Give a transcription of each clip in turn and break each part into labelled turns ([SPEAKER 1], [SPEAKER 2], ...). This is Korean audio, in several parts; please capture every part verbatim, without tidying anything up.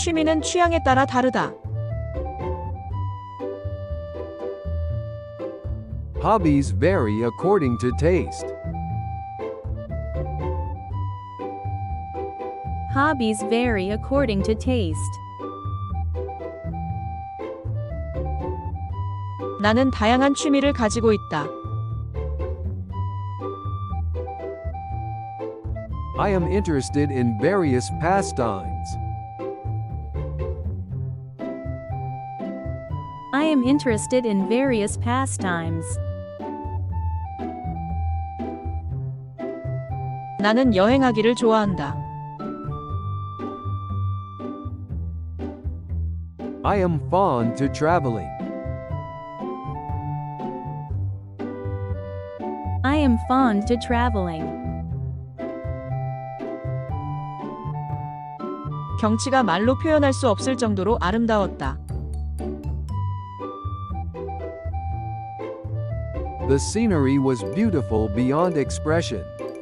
[SPEAKER 1] 취미는 취향에 따라 다르다.
[SPEAKER 2] Hobbies vary according to taste.
[SPEAKER 3] Hobbies vary according to taste.
[SPEAKER 1] 나는 다양한 취미를 가지고 있다.
[SPEAKER 2] I am interested in various pastimes.
[SPEAKER 3] I am interested in various pastimes.
[SPEAKER 1] 나는 여행하기를 좋아한다.
[SPEAKER 2] I am fond to traveling.
[SPEAKER 3] I am fond to traveling.
[SPEAKER 1] 경치가 말로 표현할 수 없을 정도로 아름다웠다.
[SPEAKER 2] The scenery was beautiful beyond expression.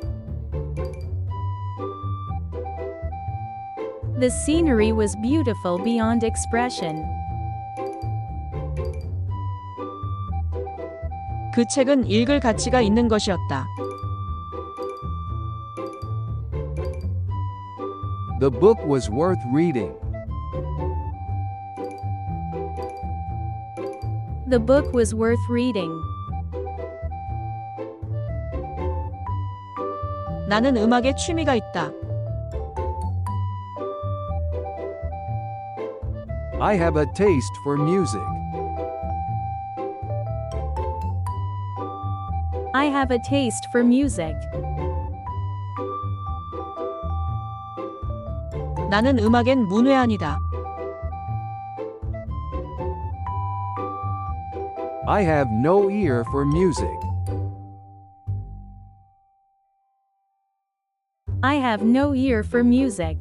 [SPEAKER 3] The scenery was beautiful beyond expression.
[SPEAKER 1] 그 책은 읽을 가치가 있는 것이었다.
[SPEAKER 2] The book was worth reading.
[SPEAKER 3] The book was worth reading.
[SPEAKER 1] 나는 음악에 취미가 있다.
[SPEAKER 2] I have a taste for music.
[SPEAKER 3] I have a taste for music.
[SPEAKER 1] 나는 음악엔 문외한이다.
[SPEAKER 2] I have no ear for music.
[SPEAKER 3] I have no ear for music.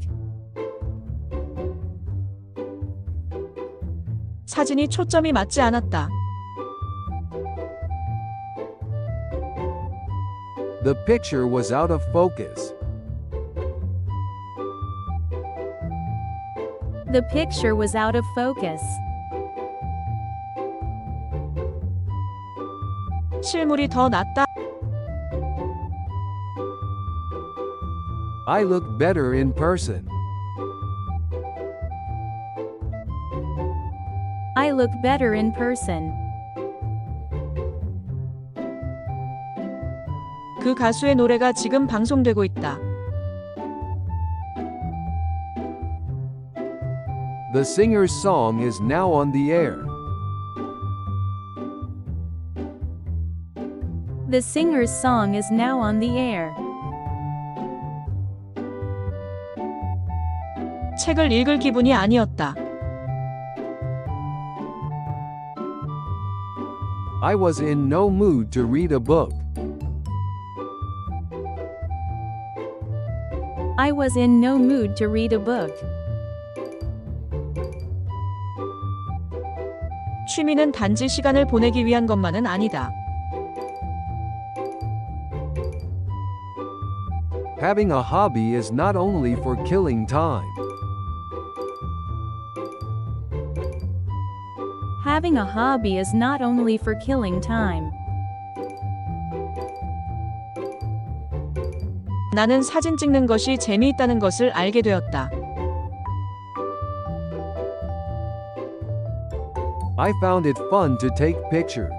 [SPEAKER 1] 사진이 초점이 맞지 않았다.
[SPEAKER 2] The picture was out of focus.
[SPEAKER 3] The picture was out of focus.
[SPEAKER 1] 실물이 더 낫다.
[SPEAKER 2] I look better in person.
[SPEAKER 3] I look better in person.
[SPEAKER 1] 그 가수의 노래가 지금 방송되고 있다.
[SPEAKER 2] The singer's song is now on the air.
[SPEAKER 3] The singer's song is now on the air.
[SPEAKER 1] 책을 읽을 기분이 아니었다.
[SPEAKER 2] I was in no mood to read a book.
[SPEAKER 3] I was in no mood to read a book.
[SPEAKER 1] 취미는 단지 시간을 보내기 위한 것만은 아니다.
[SPEAKER 2] Having a hobby is not only for killing time.
[SPEAKER 3] Having a hobby is not only for killing time.
[SPEAKER 1] 나는 사진 찍는 것이 재미있다는 것을 알게 되었다.
[SPEAKER 2] I found it fun to take pictures.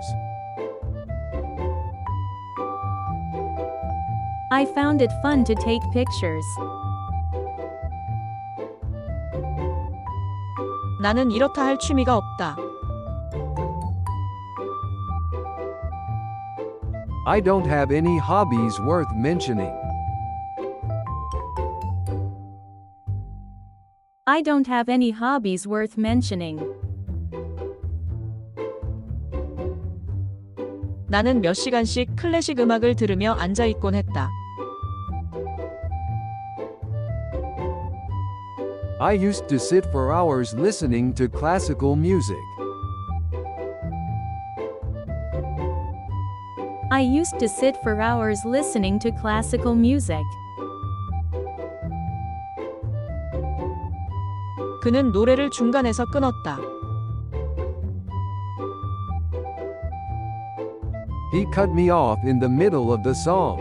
[SPEAKER 3] I found it fun to take pictures.
[SPEAKER 1] 나는 이렇다 할 취미가 없다.
[SPEAKER 2] I don't have any hobbies worth mentioning.
[SPEAKER 3] I don't have any hobbies worth mentioning.
[SPEAKER 1] 나는 몇 시간씩 클래식 음악을 들으며 앉아 있곤 했다.
[SPEAKER 2] I used to sit for hours listening to classical music.
[SPEAKER 3] I used to sit for hours listening to classical music.
[SPEAKER 1] 그는 노래를 중간에서 끊었다.
[SPEAKER 2] He cut me off in the middle of the song.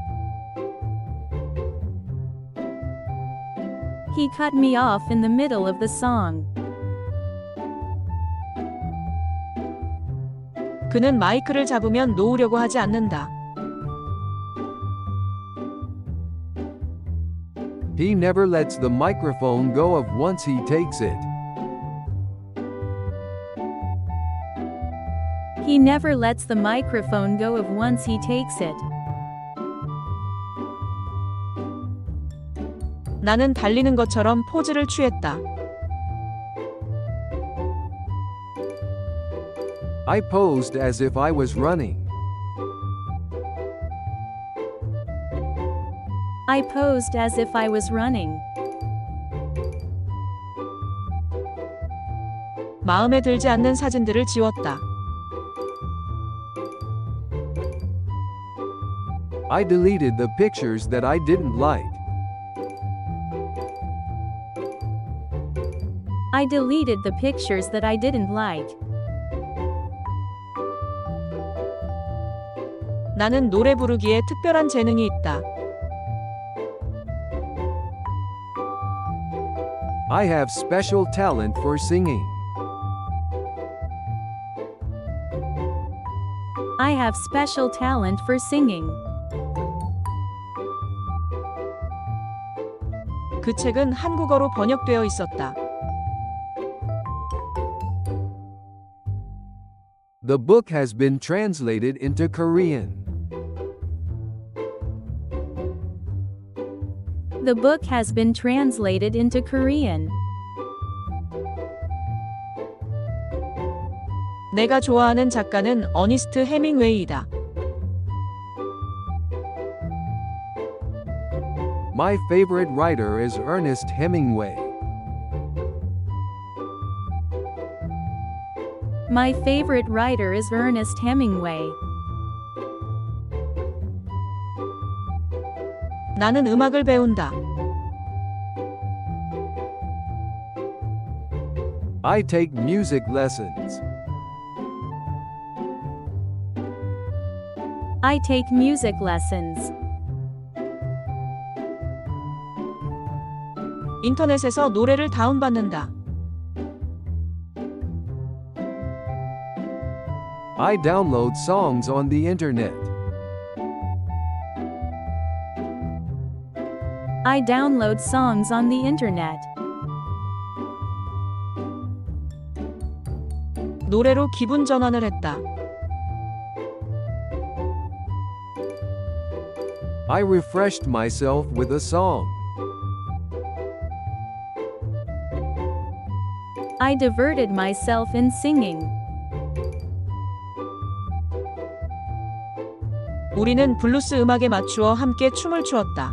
[SPEAKER 3] He cut me off in the middle of the song.
[SPEAKER 1] 그는 마이크를 잡으면 놓으려고 하지 않는다.
[SPEAKER 2] He never lets the microphone go of once he takes it.
[SPEAKER 3] He never lets the microphone go of once he takes it.
[SPEAKER 1] 나는 달리는 것처럼 포즈를 취했다.
[SPEAKER 2] I posed as if I was running.
[SPEAKER 3] I posed as if I was running.
[SPEAKER 1] 마음에 들지 않는 사진들을 지웠다.
[SPEAKER 2] I deleted the pictures that I didn't like.
[SPEAKER 3] I deleted the pictures that I didn't like.
[SPEAKER 1] 나는 노래 부르기에 특별한 재능이 있다.
[SPEAKER 2] I have special talent for singing.
[SPEAKER 3] I have special talent for singing.
[SPEAKER 1] 그 책은 한국어로 번역되어 있었다.
[SPEAKER 2] The book has been translated into Korean.
[SPEAKER 3] The book has been translated into Korean.
[SPEAKER 1] 내가 좋아하는 작가는 어니스트 해밍웨이이다.
[SPEAKER 2] My favorite writer is Ernest Hemingway.
[SPEAKER 3] My favorite writer is Ernest Hemingway.
[SPEAKER 1] 나는 음악을 배운다.
[SPEAKER 2] I take music lessons.
[SPEAKER 3] I take music lessons.
[SPEAKER 1] 인터넷에서 노래를 다운받는다.
[SPEAKER 2] I download songs on the internet.
[SPEAKER 3] I download songs on the internet.
[SPEAKER 1] 노래로 기분 전환을 했다.
[SPEAKER 2] I refreshed myself with a song.
[SPEAKER 3] I diverted myself in singing.
[SPEAKER 1] 우리는 블루스 음악에 맞추어 함께 춤을 추었다.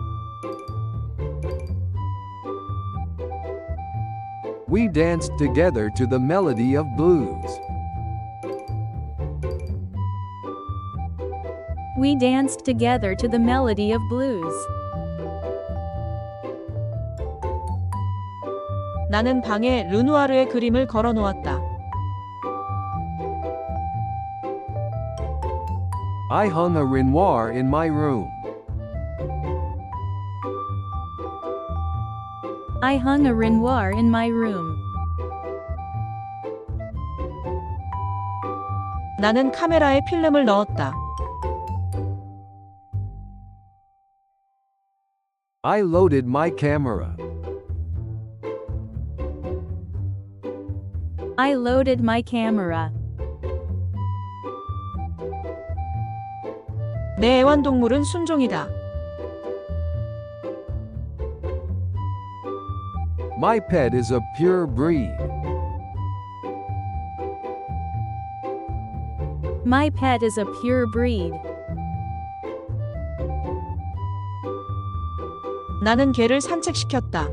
[SPEAKER 2] We danced together to the melody of blues.
[SPEAKER 3] We danced together to the melody of blues.
[SPEAKER 1] 나는 방에 르누아르의 그림을 걸어 놓았다.
[SPEAKER 2] I hung a Renoir in my room.
[SPEAKER 3] I hung a Renoir in my room.
[SPEAKER 1] 나는 카메라에 필름을 넣었다.
[SPEAKER 2] I loaded my camera.
[SPEAKER 3] I loaded my camera.
[SPEAKER 1] 내 애완동물은 순종이다.
[SPEAKER 2] My pet is a pure breed.
[SPEAKER 3] My pet is a pure breed.
[SPEAKER 1] 나는 개를 산책시켰다.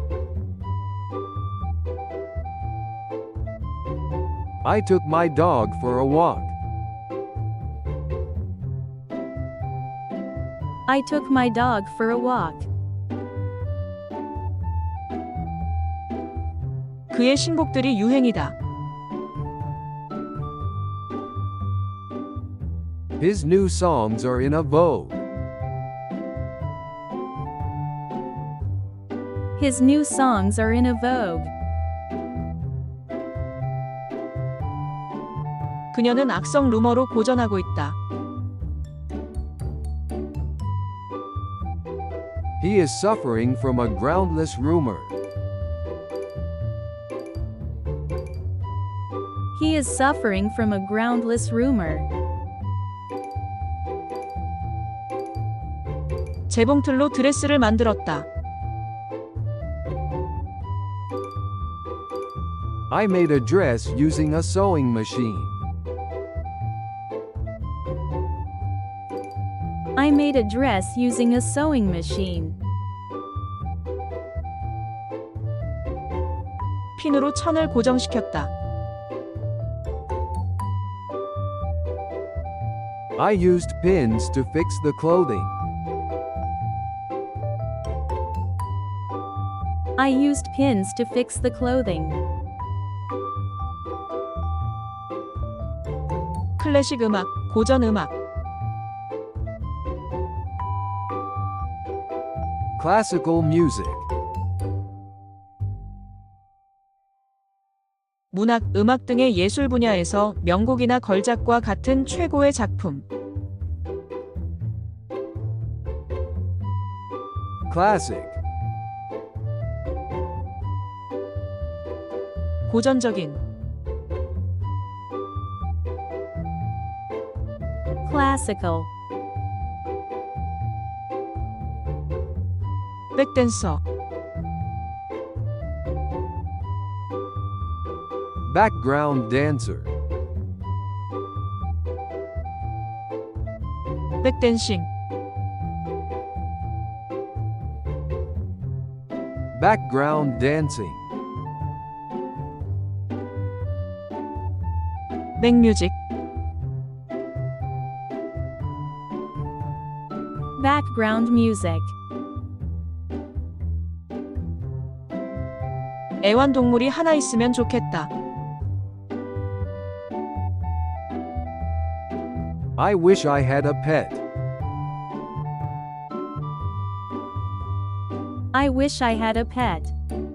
[SPEAKER 2] I took my dog for a walk.
[SPEAKER 3] I took my dog for a walk.
[SPEAKER 1] 그의 신곡들이 유행이다.
[SPEAKER 2] His new songs are in a vogue.
[SPEAKER 3] His new songs are in a vogue.
[SPEAKER 1] 그녀는 악성 루머로 고전하고 있다.
[SPEAKER 2] He is suffering from a groundless rumor.
[SPEAKER 3] He is suffering from a groundless rumor.
[SPEAKER 1] 재봉틀로 드레스를 만들었다.
[SPEAKER 2] I made a dress using a sewing machine.
[SPEAKER 3] I made a dress using a sewing machine.
[SPEAKER 1] 핀으로 천을 고정시켰다.
[SPEAKER 2] I used pins to fix the clothing.
[SPEAKER 3] I used pins to fix the clothing.
[SPEAKER 1] 클래식 음악, 고전 음악.
[SPEAKER 2] Classical music.
[SPEAKER 1] 문학, 음악 등의 예술 분야에서 명곡이나 걸작과 같은 최고의 작품.
[SPEAKER 2] Classic.
[SPEAKER 1] 고전적인.
[SPEAKER 3] Classical.
[SPEAKER 1] 백댄서.
[SPEAKER 2] Background dancer.
[SPEAKER 1] 백댄싱.
[SPEAKER 2] Background dancing.
[SPEAKER 1] 백뮤직.
[SPEAKER 3] Background music.
[SPEAKER 1] 애완동물이 하나 있으면 좋겠다.
[SPEAKER 2] I wish I had a pet.
[SPEAKER 3] I wish I had a pet.